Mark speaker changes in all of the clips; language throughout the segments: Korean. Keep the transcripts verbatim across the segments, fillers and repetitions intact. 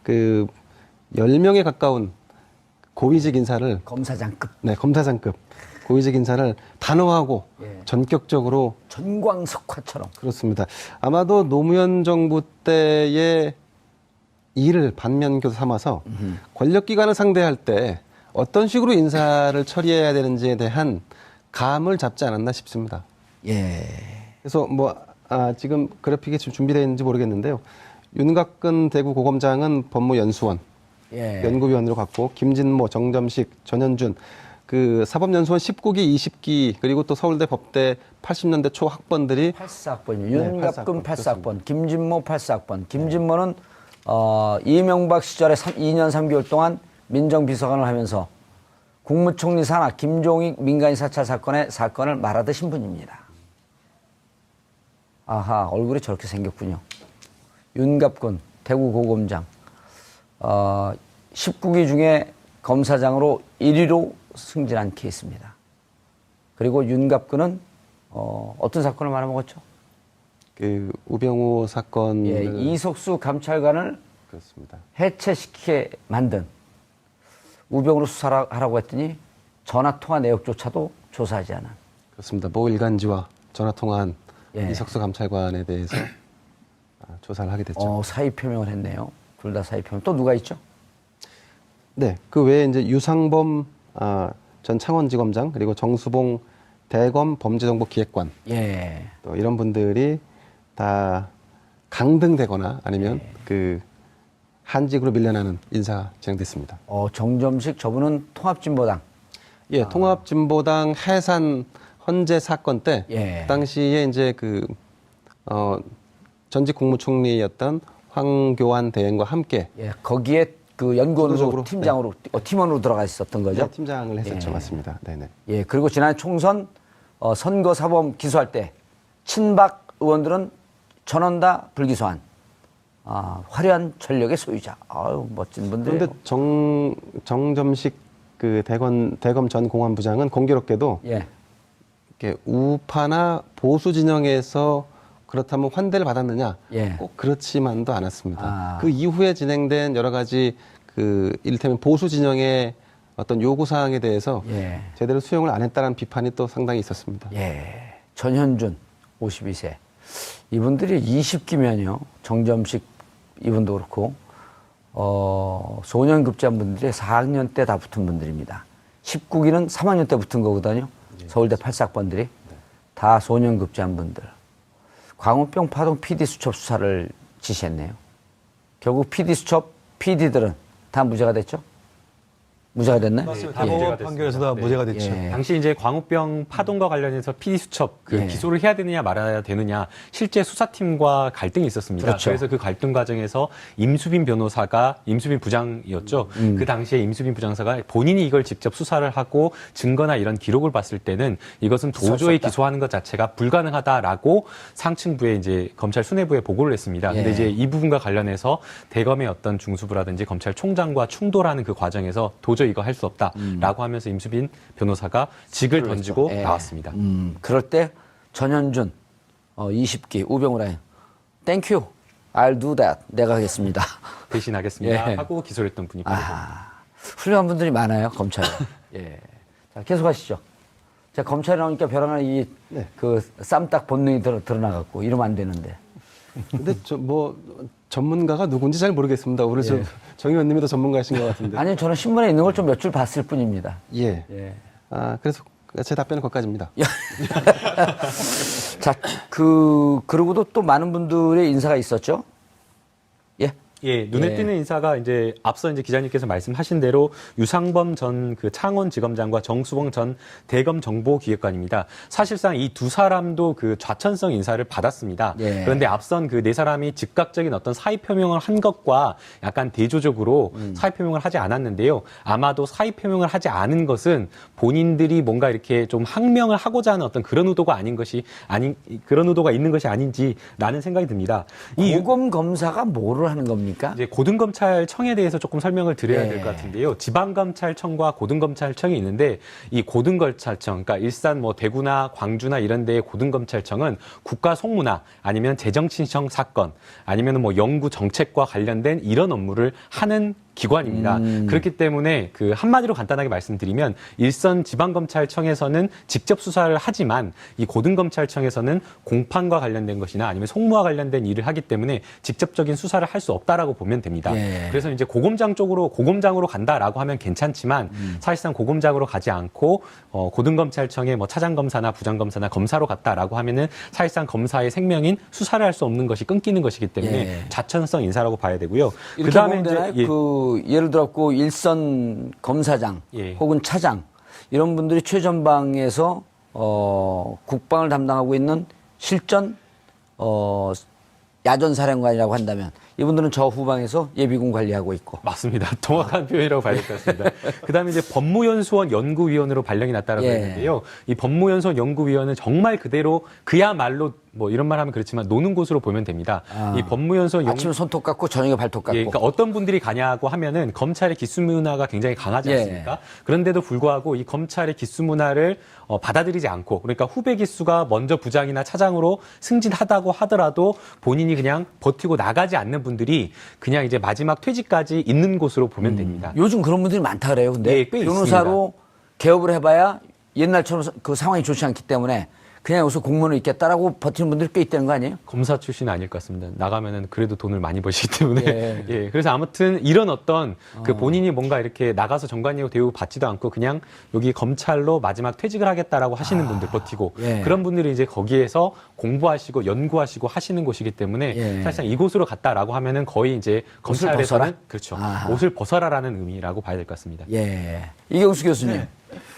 Speaker 1: 그 열 명에 가까운 고위직 인사를
Speaker 2: 검사장급.
Speaker 1: 네, 검사장급 고위직 인사를 단호하고
Speaker 2: 예.
Speaker 1: 전격적으로
Speaker 2: 전광석화처럼.
Speaker 1: 그렇습니다. 아마도 노무현 정부 때의 일을 반면교사 삼아서
Speaker 2: 음흠.
Speaker 1: 권력기관을 상대할 때 어떤 식으로 인사를 처리해야 되는지에 대한 감을 잡지 않았나 싶습니다.
Speaker 2: 예.
Speaker 1: 그래서 뭐 아, 지금 그래픽이 지금 준비되어 있는지 모르겠는데요. 윤곽근 대구 고검장은 법무연수원
Speaker 2: 예.
Speaker 1: 연구위원으로 갔고, 김진모, 정점식, 전현준 그 사법연수원 십구 기, 이십 기 그리고 또 서울대 법대 팔십 년대 초 학번들이
Speaker 2: 팔사 학번이요.
Speaker 1: 네,
Speaker 2: 윤갑근
Speaker 1: 팔사 학번,
Speaker 2: 팔사 학번, 김진모 팔사 학번. 김진모는 어, 이명박 시절에 이 년 삼 개월 동안 민정비서관을 하면서 국무총리 산하 김종익 민간인 사찰 사건의 사건을 말하듯신 분입니다. 아하, 얼굴이 저렇게 생겼군요. 윤갑근 대구 고검장. 어, 십구 기 중에 검사장으로 일 위로 승진한 케이스입니다. 그리고 윤갑근은 어, 어떤 사건을 말아먹었죠?
Speaker 1: 그 우병우 사건을
Speaker 2: 예, 이석수 감찰관을
Speaker 1: 그렇습니다.
Speaker 2: 해체시키게 만든 우병우로 수사하라고 했더니 전화통화 내역조차도 조사하지 않은.
Speaker 1: 그렇습니다. 모 일간지와 전화 통화한
Speaker 2: 예.
Speaker 1: 이석수 감찰관에 대해서 아, 조사를 하게 됐죠.
Speaker 2: 어, 사의 표명을 했네요. 둘 다 사의 표명. 또 누가 있죠?
Speaker 1: 네, 그 외에 이제 유상범 아, 전 창원지검장 그리고 정수봉 대검 범죄정보기획관
Speaker 2: 예.
Speaker 1: 또 이런 분들이 다 강등되거나 아니면
Speaker 2: 예.
Speaker 1: 그 한직으로 밀려나는 인사가 진행됐습니다.
Speaker 2: 어, 정점식 저분은 통합진보당.
Speaker 1: 예,
Speaker 2: 아.
Speaker 1: 통합진보당 해산 헌재 사건 때
Speaker 2: 예.
Speaker 1: 그 당시에 이제 그 어, 전직 국무총리였던 황교안 대행과 함께
Speaker 2: 예, 거기에 그 연구원으로
Speaker 1: 주도적으로,
Speaker 2: 팀장으로 어, 팀원으로 들어가 있었던 거죠.
Speaker 1: 네, 팀장을 했었죠.
Speaker 2: 예.
Speaker 1: 맞습니다. 네네.
Speaker 2: 예, 그리고 지난 총선 어, 선거사범 기소할 때 친박 의원들은 전원 다 불기소한 아, 화려한 전력의 소유자. 아유, 멋진 분들.
Speaker 1: 그런데 정 정점식 그 대검 대검 전 공안부장은 공교롭게도
Speaker 2: 예,
Speaker 1: 이렇게 우파나 보수 진영에서 그렇다면 환대를 받았느냐?
Speaker 2: 예.
Speaker 1: 꼭 그렇지만도 않았습니다.
Speaker 2: 아.
Speaker 1: 그 이후에 진행된 여러 가지 그 이를테면 보수 진영의 어떤 요구 사항에 대해서
Speaker 2: 예.
Speaker 1: 제대로 수용을 안 했다는 비판이 또 상당히 있었습니다.
Speaker 2: 예. 전현준 오십이 세. 이분들이 이십 기면요. 정점식 이분도 그렇고 어, 소년급제한 분들이 사 학년 때 다 붙은 분들입니다. 십구 기는 삼 학년 때 붙은 거거든요. 서울대 팔사 학번들이 다 소년급제한 분들. 광우병 파동 피디 수첩 수사를 지시했네요. 결국 피디 수첩 피디들은 다 무죄가 됐죠? 무죄가 됐나요?
Speaker 3: 맞습니다.
Speaker 2: 예.
Speaker 3: 대법원 판결에서 다
Speaker 4: 네.
Speaker 3: 무죄가 됐죠.
Speaker 2: 예.
Speaker 4: 당시 이제 광우병 파동과 관련해서 피디 수첩 그
Speaker 2: 예.
Speaker 4: 기소를 해야 되느냐 말아야 되느냐 실제 수사팀과 갈등이 있었습니다.
Speaker 2: 그렇죠.
Speaker 4: 그래서 그 갈등 과정에서 임수빈 변호사가 임수빈 부장이었죠.
Speaker 2: 음.
Speaker 4: 그 당시에 임수빈 부장사가 본인이 이걸 직접 수사를 하고 증거나 이런 기록을 봤을 때는 이것은 도저히
Speaker 2: 없다.
Speaker 4: 기소하는 것 자체가 불가능하다라고 상층부에 이제 검찰 수뇌부에 보고를 했습니다. 근데
Speaker 2: 예.
Speaker 4: 이제 이 부분과 관련해서 대검의 어떤 중수부라든지 검찰총장과 충돌하는 그 과정에서 도저히 이거 할 수 없다라고 하면서 임수빈 변호사가 직을 던지고
Speaker 2: 예.
Speaker 4: 나왔습니다.
Speaker 2: 음, 그럴 때 전현준 어, 이십 기 우병우 라인 Thank you. I'll do that. 내가 하겠습니다.
Speaker 4: 대신하겠습니다
Speaker 2: 예.
Speaker 4: 하고 기소를 했던 분이 바로
Speaker 2: 아, 훌륭한 분들이 많아요, 검찰에. 예. 자, 계속하시죠. 자, 검찰에 나오니까 벼랑한 이,
Speaker 1: 네.
Speaker 2: 그, 쌈딱 본능이 드러, 드러나갖고, 이러면 안 되는데.
Speaker 1: 근데 저 뭐 전문가가 누군지 잘 모르겠습니다. 우리 저
Speaker 2: 예.
Speaker 1: 정 의원님이 더 전문가이신 것 같은데.
Speaker 2: 아니, 저는 신문에 있는 걸 좀 몇 줄 봤을 뿐입니다.
Speaker 1: 예.
Speaker 2: 예.
Speaker 1: 아 그래서 제 답변은 거기까지입니다.
Speaker 2: 자, 그, 그러고도 또 많은 분들의 인사가 있었죠? 예.
Speaker 4: 예, 눈에
Speaker 2: 예.
Speaker 4: 띄는 인사가 이제 앞서 이제 기자님께서 말씀하신 대로 유상범 전 그 창원지검장과 정수봉 전 대검 정보기획관입니다. 사실상 이 두 사람도 그 좌천성 인사를 받았습니다.
Speaker 2: 예.
Speaker 4: 그런데 앞선 그 네 사람이 즉각적인 어떤 사의 표명을 한 것과 약간 대조적으로
Speaker 2: 음.
Speaker 4: 사의 표명을 하지 않았는데요. 아마도 사의 표명을 하지 않은 것은 본인들이 뭔가 이렇게 좀 항명을 하고자 하는 어떤 그런 의도가 아닌 것이 아닌 그런 의도가 있는 것이 아닌지라는 생각이 듭니다. 이
Speaker 2: 고검 검사가 뭐를 하는 겁니까? 아닙니까?
Speaker 4: 이제 고등검찰청에 대해서 조금 설명을 드려야
Speaker 2: 예.
Speaker 4: 될 것 같은데요. 지방검찰청과 고등검찰청이 있는데 이 고등검찰청, 그러니까 일산, 뭐 대구나 광주나 이런 데의 고등검찰청은 국가 송무나 아니면 재정신청 사건 아니면 뭐 연구 정책과 관련된 이런 업무를 하는 기관입니다.
Speaker 2: 음.
Speaker 4: 그렇기 때문에 그 한마디로 간단하게 말씀드리면 일선 지방검찰청에서는 직접 수사를 하지만 이 고등검찰청에서는 공판과 관련된 것이나 아니면 송무와 관련된 일을 하기 때문에 직접적인 수사를 할 수 없다라고 보면 됩니다.
Speaker 2: 예.
Speaker 4: 그래서 이제 고검장 쪽으로 고검장으로 간다라고 하면 괜찮지만
Speaker 2: 음.
Speaker 4: 사실상 고검장으로 가지 않고 어, 고등검찰청의 뭐 차장검사나 부장검사나 검사로 갔다라고 하면은 사실상 검사의 생명인 수사를 할 수 없는 것이 끊기는 것이기 때문에
Speaker 2: 예.
Speaker 4: 좌천성 인사라고 봐야 되고요.
Speaker 2: 이렇게
Speaker 4: 그다음에
Speaker 2: 보면 되나요?
Speaker 4: 예.
Speaker 2: 그 예를 들었고 일선 검사장
Speaker 4: 예.
Speaker 2: 혹은 차장 이런 분들이 최전방에서 어, 국방을 담당하고 있는 실전 어, 야전 사령관이라고 한다면 이분들은 저 후방에서 예비군 관리하고 있고.
Speaker 4: 맞습니다. 정확한 표현이라고 봐야 될 것 같습니다. 그다음에 이제 법무연수원 연구위원으로 발령이 났다라고
Speaker 2: 예.
Speaker 4: 했는데요. 이 법무연수원 연구위원은 정말 그대로 그야말로 뭐 이런 말 하면 그렇지만 노는 곳으로 보면 됩니다.
Speaker 2: 아,
Speaker 4: 이 법무연수원 연
Speaker 2: 아침에 손톱 깎고 저녁에 발톱 깎고.
Speaker 4: 예, 그러니까 어떤 분들이 가냐고 하면은 검찰의 기수 문화가 굉장히 강하지
Speaker 2: 예.
Speaker 4: 않습니까? 그런데도 불구하고 이 검찰의 기수 문화를 어, 받아들이지 않고 그러니까 후배 기수가 먼저 부장이나 차장으로 승진하다고 하더라도 본인이 그냥 버티고 나가지 않는 분들이 그냥 이제 마지막 퇴직까지 있는 곳으로 보면 됩니다.
Speaker 2: 요즘 그런 분들이 많다 그래요. 근데
Speaker 4: 예, 꽤
Speaker 2: 변호사로 개업을 해봐야 옛날처럼 그 상황이 좋지 않기 때문에 그냥 여기서 공무원을 있겠다라고 버티는 분들이 꽤 있다는 거 아니에요?
Speaker 4: 검사 출신은 아닐 것 같습니다. 나가면은 그래도 돈을 많이 버시기 때문에.
Speaker 2: 예.
Speaker 4: 예. 그래서 아무튼 이런 어떤 그 본인이 뭔가 이렇게 나가서 정관예우 대우 받지도 않고 그냥 여기 검찰로 마지막 퇴직을 하겠다라고 하시는 분들 버티고
Speaker 2: 예.
Speaker 4: 그런 분들이 이제 거기에서 공부하시고 연구하시고 하시는 곳이기 때문에
Speaker 2: 예.
Speaker 4: 사실상 이곳으로 갔다라고 하면은 거의 이제
Speaker 2: 옷을
Speaker 4: 검찰에서는
Speaker 2: 벗어라?
Speaker 4: 그렇죠.
Speaker 2: 아하.
Speaker 4: 옷을 벗어라라는 의미라고 봐야 될 것 같습니다.
Speaker 2: 예. 이경수 교수님.
Speaker 1: 네.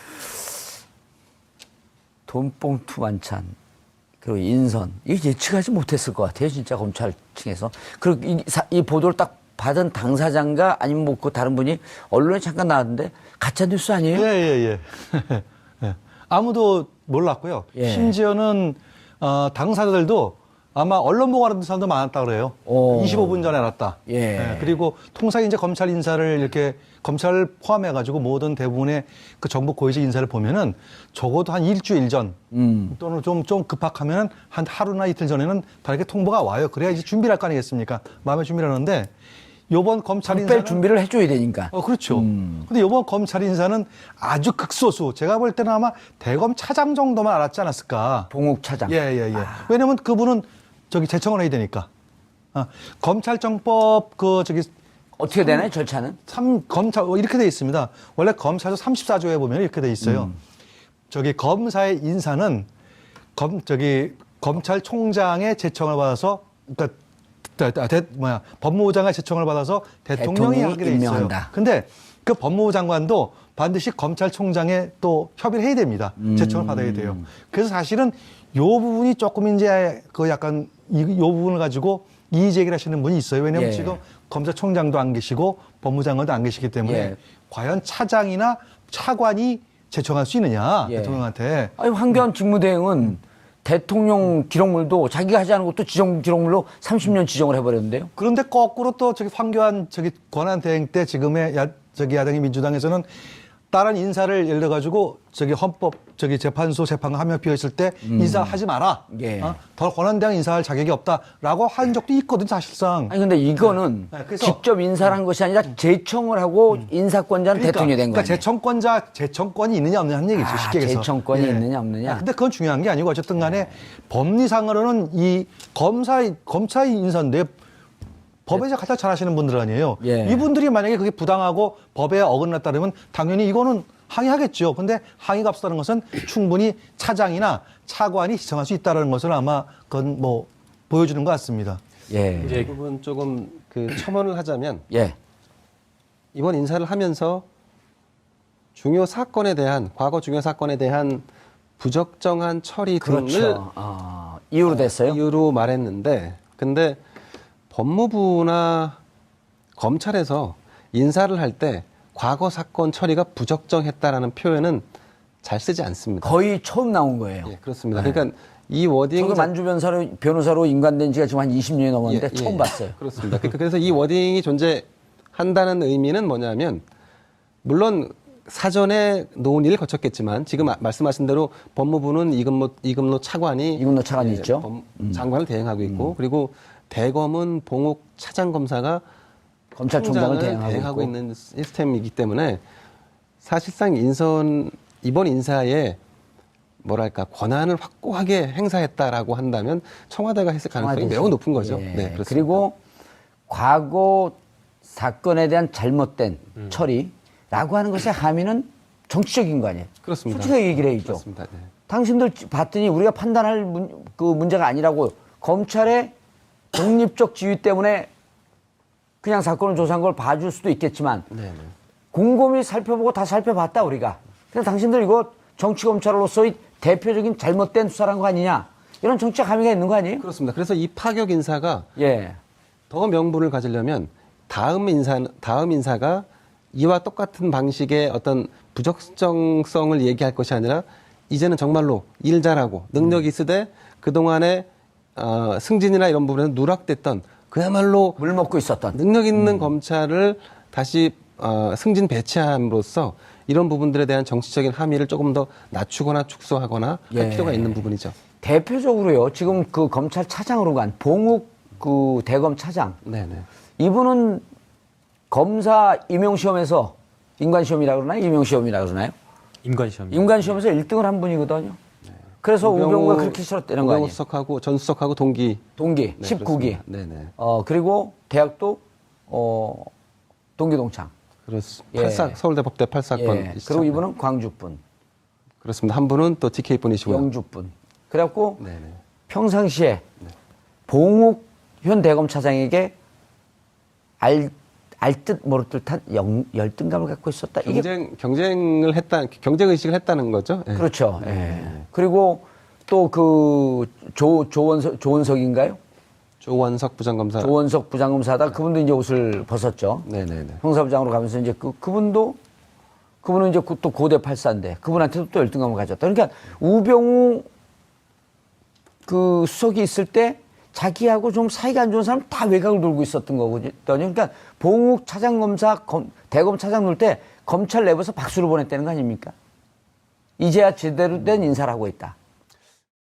Speaker 2: 돈봉투 만찬, 그리고 인선. 이거 예측하지 못했을 것 같아요. 진짜 검찰 층에서. 그리고 이, 사- 이 보도를 딱 받은 당사자인가 아니면 뭐 그 다른 분이 언론에 잠깐 나왔는데 가짜 뉴스 아니에요?
Speaker 3: 예, 예, 예. 예. 아무도 몰랐고요.
Speaker 2: 예.
Speaker 3: 심지어는 어, 당사자들도 아마 언론 보고 알았던 사람도 많았다 그래요.
Speaker 2: 오.
Speaker 3: 이십오 분 전에 알았다.
Speaker 2: 예.
Speaker 3: 그리고 통상 이제 검찰 인사를 이렇게 검찰 포함해가지고 모든 대부분의 그 정부 고위직 인사를 보면은 적어도 한 일주일 전
Speaker 2: 음.
Speaker 3: 또는 좀, 좀 급박하면 한 하루나 이틀 전에는 다 이렇게 통보가 와요. 그래야 이제 준비를 할 거 아니겠습니까? 마음의 준비를 하는데 요번 검찰
Speaker 2: 뺄
Speaker 3: 인사는
Speaker 2: 준비를 해줘야 되니까.
Speaker 3: 어, 그렇죠.
Speaker 2: 음.
Speaker 3: 근데 이번 검찰 인사는 아주 극소수. 제가 볼 때는 아마 대검 차장 정도만 알았지 않았을까.
Speaker 2: 봉욱 차장.
Speaker 3: 예, 예, 예. 왜냐면 그분은 저기 제청을 해야 되니까. 아, 검찰정법 그 저기
Speaker 2: 어떻게 되나요, 절차는?
Speaker 3: 삼 검찰 어, 이렇게 돼 있습니다. 원래 검찰조 삼십사 조에 보면 이렇게 돼 있어요.
Speaker 2: 음.
Speaker 3: 저기 검사의 인사는 검 저기 검찰총장의 제청을 받아서 그러니까 대, 대, 뭐야 법무부장의 제청을 받아서 대통령이,
Speaker 2: 대통령이
Speaker 3: 하게 돼 있어요.
Speaker 2: 임명한다.
Speaker 3: 근데 그 법무부 장관도 반드시 검찰총장에 또 협의를 해야 됩니다.
Speaker 2: 음.
Speaker 3: 제청을 받아야 돼요. 그래서 사실은 요 부분이 조금 이제 그 약간 이, 요 부분을 가지고 이의 제기를 하시는 분이 있어요. 왜냐하면
Speaker 2: 예.
Speaker 3: 지금 검사총장도 안 계시고 법무장관도 안 계시기 때문에
Speaker 2: 예.
Speaker 3: 과연 차장이나 차관이 제청할 수 있느냐
Speaker 2: 예.
Speaker 3: 대통령한테.
Speaker 2: 아니, 황교안 직무대행은 대통령 기록물도 자기가 하지 않은 것도 지정 기록물로 삼십 년 지정을 해버렸는데요.
Speaker 3: 그런데 거꾸로 또 저기 황교안 저기 권한 대행 때 지금의 야, 저기 야당의 민주당에서는 다른 인사를 예를 들어 가지고 저기 헌법 저기 재판소 재판관 한 명 비어 있을 때 인사하지 마라.
Speaker 2: 예.
Speaker 3: 어? 더 권한 대행 인사할 자격이 없다라고 한 적도 있거든 사실상.
Speaker 2: 아니 근데 이거는
Speaker 3: 네, 그래서-
Speaker 2: 직접 인사를 한 것이 아니라 제청을 하고 인사권자는 대통령이 된
Speaker 3: 그러니까
Speaker 2: 거예요.
Speaker 3: 제청권자 제청권이 있느냐 없느냐 하는 얘기죠.
Speaker 2: 아,
Speaker 3: 쉽게 얘기해서.
Speaker 2: 제청권이 있느냐, 없느냐.
Speaker 3: 아, 근데 그건 중요한 게 아니고 어쨌든 간에 법리상으로는 이 검사 검사의 인사인데 법에 가장 잘하시는 분들 아니에요.
Speaker 2: 예.
Speaker 3: 이분들이 만약에 그게 부당하고 법에 어긋났다 그러면 당연히 이거는 항의하겠죠. 근데 항의가 없었다는 것은 충분히 차장이나 차관이 지정할 수 있다는 것을 아마 그건 뭐 보여주는 것 같습니다.
Speaker 2: 예.
Speaker 1: 이 부분 조금 그 첨언을 하자면
Speaker 2: 예.
Speaker 1: 이번 인사를 하면서 중요 사건에 대한 과거 중요 사건에 대한 부적정한 처리 등을
Speaker 2: 그렇죠. 아, 이유로 됐어요?
Speaker 1: 이유로 말했는데 근데 법무부나 검찰에서 인사를 할 때 과거 사건 처리가 부적정했다라는 표현은 잘 쓰지 않습니다.
Speaker 2: 거의 처음 나온 거예요.
Speaker 1: 예, 그렇습니다. 그러니까 이 워딩
Speaker 2: 저도 만주 변호사로, 변호사로 임관된 지가 지금 한 이십 년이 넘었는데
Speaker 1: 예, 예,
Speaker 2: 처음
Speaker 1: 예.
Speaker 2: 봤어요.
Speaker 1: 그렇습니다. 그러니까 그래서 이 워딩이 존재한다는 의미는 뭐냐면 물론 사전에 논의를 거쳤겠지만 지금 아- 말씀하신 대로 법무부는 이금노, 이금노 차관이
Speaker 2: 이금노 차관이 있죠.
Speaker 1: 법- 장관을 대행하고 있고 그리고 대검은 봉욱 차장검사가
Speaker 2: 검찰총장을
Speaker 1: 총장을
Speaker 2: 대행하고, 있고.
Speaker 1: 있는 시스템이기 때문에 사실상 인선 이번 인사에 뭐랄까 권한을 확고하게 행사했다라고 한다면 청와대가 했을 가능성이
Speaker 2: 청와대죠.
Speaker 1: 매우 높은 거죠.
Speaker 2: 예.
Speaker 1: 네, 그렇습니다.
Speaker 2: 그리고 과거 사건에 대한 잘못된
Speaker 1: 음.
Speaker 2: 처리라고 하는 것의 함의는 정치적인 거 아니에요?
Speaker 1: 그렇습니다.
Speaker 2: 솔직하게 얘기를 해야죠.
Speaker 1: 그렇습니다. 네.
Speaker 2: 당신들 봤더니 우리가 판단할 문, 그 문제가 아니라고 검찰의 독립적 지위 때문에 그냥 사건을 조사한 걸 봐줄 수도 있겠지만
Speaker 1: 네, 네.
Speaker 2: 곰곰이 살펴보고 다 살펴봤다 우리가. 그래서 당신들 이거 정치검찰로서의 대표적인 잘못된 수사란 거 아니냐. 이런 정치적 함의가 있는 거 아니에요?
Speaker 1: 그렇습니다. 그래서 이 파격 인사가
Speaker 2: 예.
Speaker 1: 더 명분을 가지려면 다음 인사 다음 인사가 이와 똑같은 방식의 어떤 부적정성을 얘기할 것이 아니라 이제는 정말로 일 잘하고 능력이 있으되 그 동안에 어, 승진이나 이런 부분에서 누락됐던 그야말로
Speaker 2: 물 먹고 있었던.
Speaker 1: 능력 있는 검찰을 다시 어, 승진 배치함으로써 이런 부분들에 대한 정치적인 함의를 조금 더 낮추거나 축소하거나
Speaker 2: 예.
Speaker 1: 할 필요가 있는 부분이죠.
Speaker 2: 대표적으로요. 지금 그 검찰 차장으로 간 봉욱 그 대검 차장.
Speaker 1: 네네.
Speaker 2: 이분은 검사 임용시험에서 인관시험이라고 그러나요? 임용시험이라고 그러나요?
Speaker 4: 임관시험.
Speaker 2: 임관시험에서 일 등을 한 분이거든요. 그래서 우병우가 그렇게 싫었다는 거
Speaker 1: 우병우
Speaker 2: 아니에요?
Speaker 1: 수석하고 전 수석하고 동기.
Speaker 2: 동기,
Speaker 1: 네,
Speaker 2: 십구 기.
Speaker 1: 그렇습니다. 네네.
Speaker 2: 어, 그리고 대학도 어, 동기동창.
Speaker 1: 그렇습니다.
Speaker 2: 예.
Speaker 1: 팔사 서울대 법대 팔사건.
Speaker 2: 예. 그리고 이분은 광주분,
Speaker 1: 그렇습니다. 한 분은 또 티케이 분이시고요.
Speaker 2: 영주분. 그래갖고
Speaker 1: 네네.
Speaker 2: 평상시에 봉욱 현 대검 차장에게 알, 알듯 모를 듯한 영, 열등감을 갖고 있었다. 이게
Speaker 1: 경쟁 경쟁을 했다 경쟁 의식을 했다는 거죠. 예.
Speaker 2: 그렇죠. 예. 그리고 또 그 조 조원석 조원석인가요?
Speaker 1: 조원석 부장검사.
Speaker 2: 조원석 부장검사다. 그분도 이제 옷을 벗었죠.
Speaker 1: 네네네.
Speaker 2: 형사부장으로 가면서 이제 그 그분도 그분은 이제 또 고대 팔사인데 그분한테도 또 열등감을 가졌다. 그러니까 우병우 그 수석이 있을 때 자기하고 좀 사이가 안 좋은 사람 다 외곽을 돌고 있었던 거거든요. 그러니까 봉욱 차장검사 검, 대검 차장 놓을 때 검찰 내부에서 박수를 보냈다는 거 아닙니까? 이제야 제대로 된 인사를 하고 있다.